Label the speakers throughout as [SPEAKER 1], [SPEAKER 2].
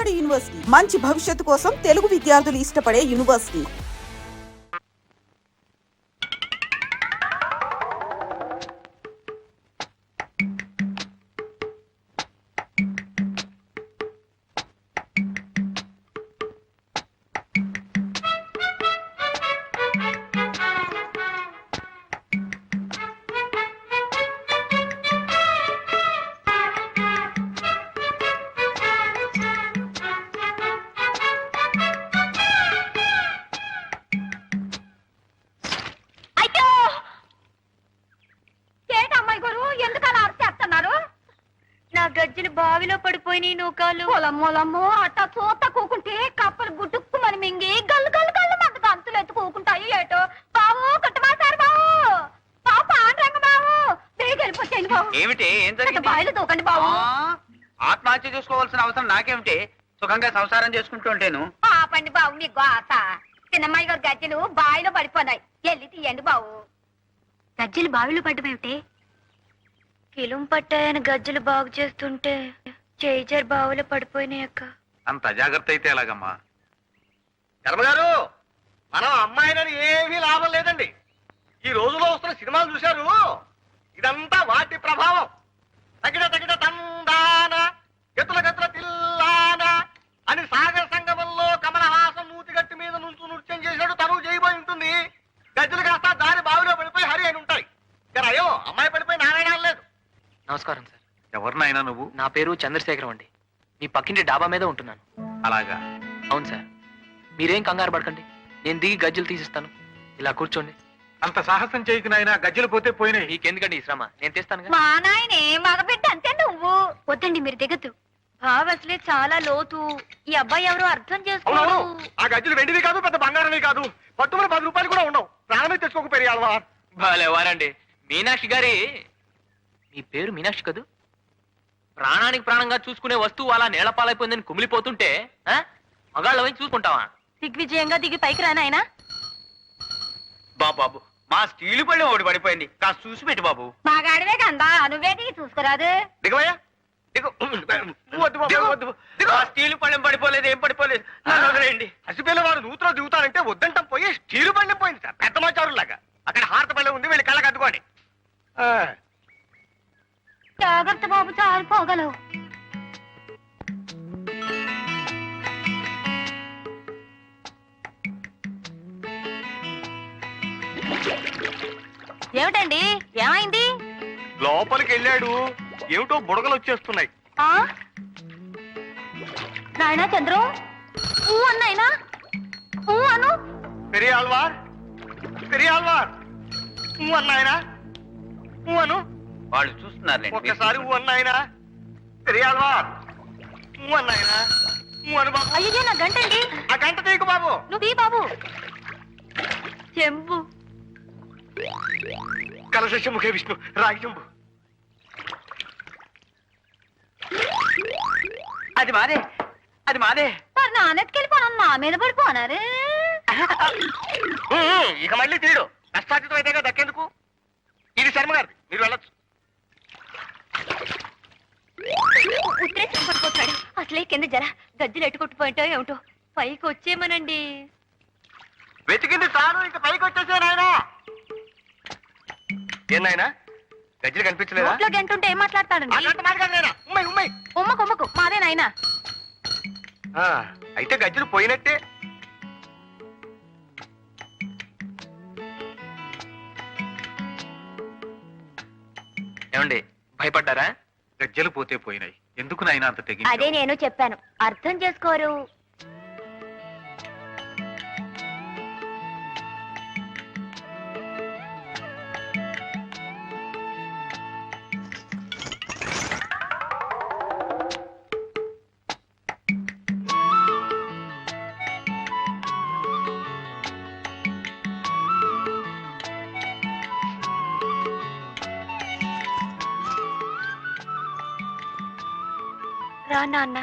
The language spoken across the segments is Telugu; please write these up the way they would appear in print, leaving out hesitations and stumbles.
[SPEAKER 1] నాడు యూనివర్సిటీ మంచి భవిష్యత్తు కోసం తెలుగు విద్యార్థులు ఇష్టపడే యూనివర్సిటీ.
[SPEAKER 2] గజ్జలు బావిలో పడిపోయి నూకాలు
[SPEAKER 3] పొలమ్మో అట్టా చూత కూకుంటే కప్పలు గుడ్డుక్కు మన మింగి గల్లు గల్లు గల్లు మంట గంతులు ఎత్తుకోకుంటాయి ఏటో. బావు కుట్టమాసారు బావు, బావు పాండ్రంగ బావు, బేగ వెళ్ళిపోతాను బావు.
[SPEAKER 4] ఏమిటి ఏం జరిగింది?
[SPEAKER 3] బావిలో దూకండి బావు.
[SPEAKER 4] ఆత్మహత్య చేసుకోవాల్సిన అవసరం నాకేమిటి? సుఖంగా సంసారం చేసుకుంటూ ఉంటాను.
[SPEAKER 3] పాపండి బావు మీ గోత. చిన్నమ్మాయి గారు గజ్జలు బావిలో పడిపోయినాయి, వెళ్ళి తీయండి బావు.
[SPEAKER 2] గజ్జలు బావిలో పడ్డమేమిటి? కిలుం పట్టాయని గజ్జలు బాగు చేస్తుంటే చేజర్ బావిలో పడిపోయినాయి అక్క.
[SPEAKER 5] అంత అజాగ్రత్త అయితే ఎలాగమ్మా?
[SPEAKER 6] ధర్మగారు, మనం అమ్మాయిలని ఏమీ లాభం లేదండి. ఈ రోజులో వస్తున్న సినిమాలు చూశారు, ఇదంతా వాటి ప్రభావం. తగిన తగిన తందాన గతుల గతుల తిల్లాన అని సాగర సంగమంలో కమలహాసం నూతిగట్టి మీద నుంచు నృత్యం చేశాడు, తను చేయబోయి ఉంటుంది. గజ్జలు కాస్త దారి బావిలో పడిపోయి హరి అని ఉంటాయి. అయ్యో అమ్మాయి పడిపోయి నారాయణ లేదు.
[SPEAKER 7] నమస్కారం సార్.
[SPEAKER 5] ఎవరినైనా నువ్వు?
[SPEAKER 7] నా పేరు చంద్రశేఖరం అండి. మీ పక్కింటి డాబా మీద ఉంటున్నాను.
[SPEAKER 5] అలాగా?
[SPEAKER 7] అవును సార్. మీరేం కంగారు పడకండి, నేను దిగి గజ్జలు తీసిస్తాను. ఇలా కూర్చోండి.
[SPEAKER 5] అంత సాహసం చేయకు నాయనా, గజ్జలు పోతే పోయినాయి.
[SPEAKER 7] మీకెందుకండి ఈ శ్రమ, నేను తెస్తాను.
[SPEAKER 3] మా నాయనే మగబిడ్డ అంతే నువ్వు.
[SPEAKER 2] వద్దండి మీరు దిగద్దు. బావ అసలే చాలా లోతు. ఈ అబ్బాయి ఎవరో అర్థం చేసుకోరు.
[SPEAKER 6] అవునవును, ఆ గజ్జలు వెండివి కాదు, పెద్ద బంగారమే కాదు. పట్టుమని 10 రూపాయలు కూడా ఉండవు. ప్రాణమే తెచ్చుకోకపోయావా?
[SPEAKER 7] వారండి మీనాక్షి గారి. మీ పేరు మీనాక్షి కదూ? ప్రాణానికి ప్రాణంగా చూసుకునే వస్తువు అలా నేలపాలైపోయిందని కుమిలిపోతుంటే మగాళ్ళ వైపు చూసుకుంటావా?
[SPEAKER 2] దిగ్విజయంగా దిగి పైకి రానాయనా.
[SPEAKER 4] బాబు మా స్టీలు పళ్ళెం ఒకటి పడిపోయింది, కాస్త చూసి పెట్టి బాబు.
[SPEAKER 3] మా గాడివే కందా, నువ్వే దిగి చూసుకురాదు.
[SPEAKER 6] దిగవయ్యా, దిగు. వద్దు బాబు, వద్దు.
[SPEAKER 4] ఆ స్టీలు పళ్ళెం పడిపోలేదు, ఏం పడిపోలేదు.
[SPEAKER 6] హసిపిల్ల వారు నూతులో దిగుతారంటే వద్దంటాం పోయి స్టీలు పళ్ళెం పోయింది సార్, పెద్ద మాచారులాగా. అక్కడ హారత పళ్ళెం ఉంది, వెళ్ళి కళ్ళకి అద్దుకోండి.
[SPEAKER 3] జాగ్రత్త బాబు, చాలు పోగలవు.
[SPEAKER 2] ఏమిటండి, ఏమైంది?
[SPEAKER 6] లోపలికి వెళ్ళాడు, ఏమిటో బుడగలు వచ్చేస్తున్నాయి.
[SPEAKER 3] నాయనా చంద్రం, ఊ అన్నాయినా, ఊ అను.
[SPEAKER 6] పెరియాల్వార్, పెరియాల్వార్, ఊ అన్నాయనా, ఊ అను.
[SPEAKER 4] వాళ్ళు చూస్తున్నారు.
[SPEAKER 6] ఒక్కసారి ఊ అన్నాయనా. పెరియాల్వార్, ఊ అన్నాయనా, ఊ అను బాబు.
[SPEAKER 2] అయ్యో నా గంటండి.
[SPEAKER 6] ఆ గంట తీయకు బాబు.
[SPEAKER 2] నువ్వు తీ బాబు. చెంబు.
[SPEAKER 6] కలశ ముఖే విష్ణు, రాగి చెంబు.
[SPEAKER 4] అది మాదే, అది మాదే.
[SPEAKER 3] మరి నాన్నెత్తుకెళ్ళిపోను, నా మీద పడిపోనారు.
[SPEAKER 6] ఇక మళ్ళీ తీయడు, కష్టాతీతం అయితే దక్కేందుకు. ఇది శర్మ గారిది, మీరు వెళ్ళొచ్చు.
[SPEAKER 2] ఉత్తరేసం పడిపోతాడు. అసలే కింద జర గజ్జలు ఎట్టుకొట్టుపోయింటో ఏమిటో. పైకి వచ్చేమనండి.
[SPEAKER 6] వెతికింది చాలు, ఇంక పైకి వచ్చేసే నాయనా. ఏం నాయనా, గజ్జలు కనిపించలేదా?
[SPEAKER 2] నోట్లో గంటుంటే ఏం మాట్లాడతాడండి?
[SPEAKER 3] ఉమ్మకు ఉమ్మకు మాదే నాయనా.
[SPEAKER 6] అయితే గజ్జలు పోయినట్టే.
[SPEAKER 7] ఏమండి, భయపడ్డారా?
[SPEAKER 5] గజ్జలు పోతే పోయినాయి, ఎందుకు నాయనా అంత తెగి?
[SPEAKER 2] అదే నేను చెప్పాను, అర్థం చేసుకోరు. రా నాన్న.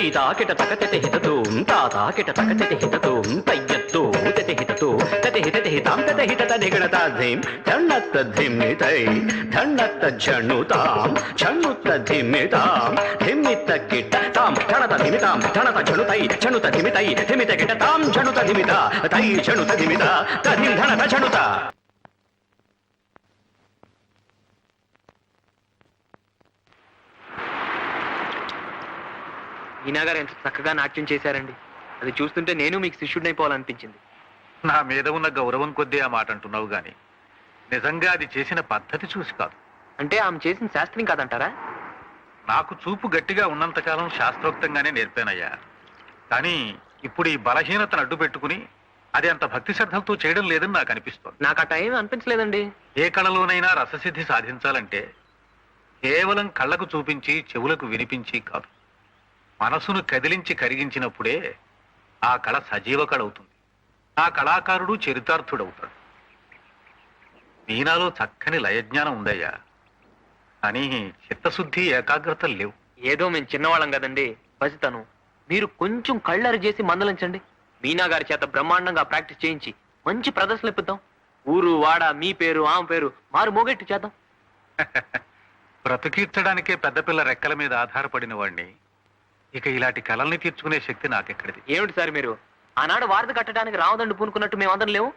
[SPEAKER 8] తైతాకిట తకతె హితతూం తాతాకిట తకతె హితతూం తయ్యత్తూ తెతి హితతూ తెతి హితతి హితాం తెతి హితత ధిగణతాధిం ధన్నత్త ధిమ్మితై ధన్నత్త ఝణుతాం ఝణుత్త ధిమ్మితాం ధిమ్మిత్త కిట తాం ఝణత ధిమితాం ఝణత ఝణుతై ఝణుత ధిమితై ధిమిత కిట తాం ఝణుత ధిమిత తై ఝణుత ధిమిత తధిం ధణత ఝణుత.
[SPEAKER 7] మీనా గారు ఎంత చక్కగా నాట్యం చేశారండి. అది చూస్తుంటే నేను మీకు శిష్యుడినైపోవాలనిపించింది.
[SPEAKER 5] నా మీద ఉన్న గౌరవం కొద్దీ ఆ మాట అంటున్నావు గాని నిజంగా అది చేసిన పద్ధతి చూసి కాదు.
[SPEAKER 7] అంటే ఆమె చేసిన శాస్త్రం కాదంటారా?
[SPEAKER 5] నాకు చూపు గట్టిగా ఉన్నంతకాలం శాస్త్రోక్తంగానే నేర్పానయ్యా. కానీ ఇప్పుడు ఈ బలహీనతను అడ్డు పెట్టుకుని అది అంత భక్తి శ్రద్ధలతో చేయడం లేదని నాకు అనిపిస్తోంది.
[SPEAKER 7] నాకు ఆ టైం అనిపించలేదండి.
[SPEAKER 5] ఏ కళలోనైనా రససిద్ధి సాధించాలంటే కేవలం కళ్ళకు చూపించి చెవులకు వినిపించి కాదు, మనసును కదిలించి కరిగించినప్పుడే ఆ కళ సజీవ కళ అవుతుంది. ఆ కళాకారుడు చరితార్థుడవుతాడు. మీనాలో చక్కని లయజ్ఞానం ఉందయ్యా, కానీ చిత్తశుద్ధి ఏకాగ్రత లేవు.
[SPEAKER 7] ఏదో మేము చిన్నవాళ్ళం కదండి, పసితను. మీరు కొంచెం కళ్ళరి చేసి మందలించండి. మీనా గారి చేత బ్రహ్మాండంగా ప్రాక్టీస్ చేయించి మంచి ప్రదర్శనలు ఇప్పిద్దాం. ఊరు వాడ మీ పేరు ఆమె పేరు మారు మోగెట్టు చేద్దాం.
[SPEAKER 5] బ్రతికీర్చడానికే పెద్దపిల్ల రెక్కల మీద ఆధారపడిన వాడిని ఇక ఇలాంటి కళల్ని తీర్చుకునే శక్తి నాకెక్కడిది?
[SPEAKER 7] ఏమిటి సార్ మీరు? ఆనాడు వారధి కట్టడానికి రావదండి పూనుకున్నట్టు మేమందరం లేవు.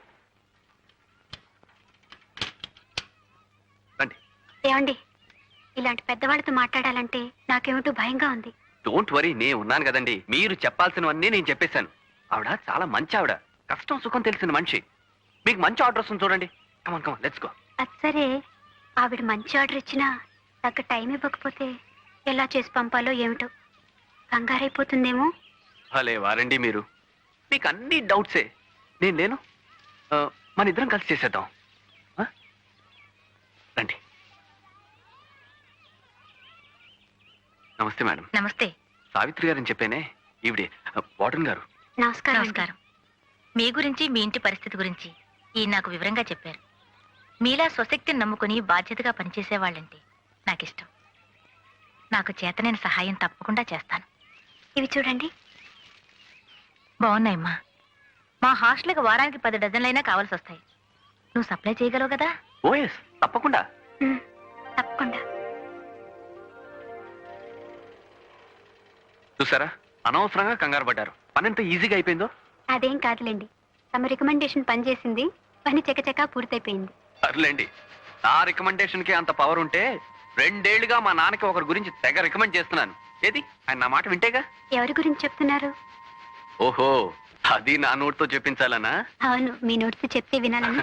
[SPEAKER 5] రండి.
[SPEAKER 2] ఏమండి, ఇలాంటి పెద్దవాళ్ళతో మాట్లాడాలంటే నాకేమిటో భయంగా ఉంది.
[SPEAKER 8] డోంట్ వరీ, నేను ఉన్నాను కదండి. మీరు చెప్పాల్సినవన్నీ నేను చెప్పేశాను. ఆవిడ చాలా మంచి ఆవిడ, కష్టం సుఖం తెలిసిన మనిషి. మీకు మంచి ఆర్డర్ వస్తుంది చూడండి. Come on come on let's go.
[SPEAKER 2] అది సరే, ఆవిడ మంచి ఆర్డర్ ఇచ్చినా తగ్గ టైం ఇవ్వకపోతే ఎలా చేసి పంపాలో ఏమిటో కంగారైపోతుందేమో.
[SPEAKER 8] భలే వారండి మీరు. మీకు అన్ని డౌట్సే. నేను లేను, మన ఇద్దరం కలిసి చేసేద్దాం. రండి. నమస్తే మేడం.
[SPEAKER 2] నమస్తే.
[SPEAKER 8] సావిత్రి గారని చెప్పేనే, ఈవిడే వార్డెన్ గారు.
[SPEAKER 2] నమస్కారం. నమస్కారం. మీ గురించి మీ ఇంటి పరిస్థితి గురించి ఈ నాకు వివరంగా చెప్పారు. మీలా స్వశక్తిని నమ్ముకుని బాధ్యతగా పనిచేసేవాళ్ళంటే నాకిష్టం. నాకు చేతనైన సహాయం తప్పకుండా చేస్తాను. ఇవి చూడండి. బాగున్నాయమ్మా. మా హాస్టల్కి వారానికి 10 డజన్లైనా కావాల్సి వస్తాయి. నువ్వు సప్లై చేయగలవు కదా?
[SPEAKER 8] ఓఎస్, తప్పకుండా.
[SPEAKER 2] తప్పకుండా.
[SPEAKER 8] చూసారా, అనవసరంగా కంగారు పడ్డారు. పని ఎంత ఈజీగా అయిపోయిందో.
[SPEAKER 2] అదేం కాదులేండి, తమ రికమెండేషన్ పనిచేసింది. పని చకచకా పూర్తయిపోయింది.
[SPEAKER 8] సర్లేండి, నా రికమెండేషన్ కి అంత పవర్ ఉంటే 2 ఏళ్లుగా మా నాన్నకి ఒకరి గురించి తెగ రికమెండ్ చేస్తున్నాను. ఏది, ఆయన నా మాట వింటేగా.
[SPEAKER 2] ఎవరి గురించి చెప్తున్నారు?
[SPEAKER 8] ఓహో, అది నా నోటితో చెప్పించాలనా?
[SPEAKER 2] అవును, మీ నోటితో చెప్తే వినాలని.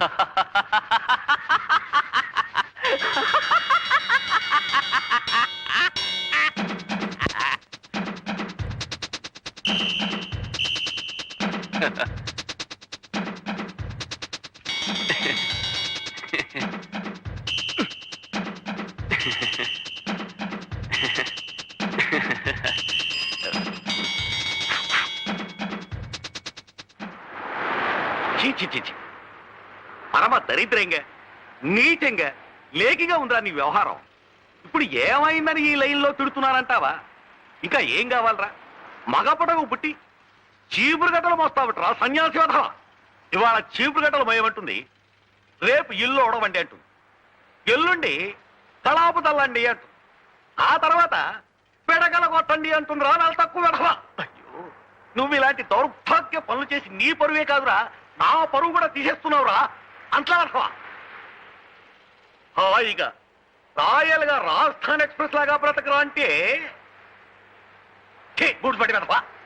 [SPEAKER 6] పరమ దరిద్రంగా నీచంగా లేకిగా ఉందిరా నీ వ్యవహారం. ఇప్పుడు ఏమైందని ఈ లైన్లో తిడుతున్నారంటావా? ఇంకా ఏం కావాలరా? మగపడకు పుట్టి చీపురు గట్టలు మోస్తావట్రా సన్యాసి వధ. ఇవాళ చీపురు గట్టలు మోయమంటుంది, రేపు ఇల్లు ఓడవండి అంటుంది, ఎల్లుండి కళాపు తల్లండి అంటుంది, ఆ తర్వాత పెడగల కొట్టండి అంటుందిరా నా తక్కువ వెధవ. అయ్యో, నువ్వు ఇలాంటి దౌర్భాగ్య పనులు చేసి నీ పరువే కాదురా, నా పరువు కూడా తీసేస్తున్నావురా అంట్లా వెధవ. హాయిగా రాయల్ గా రాజస్థాన్ ఎక్స్ప్రెస్ లాగా బ్రతకరా అంటే గుడిపడి వెధవ.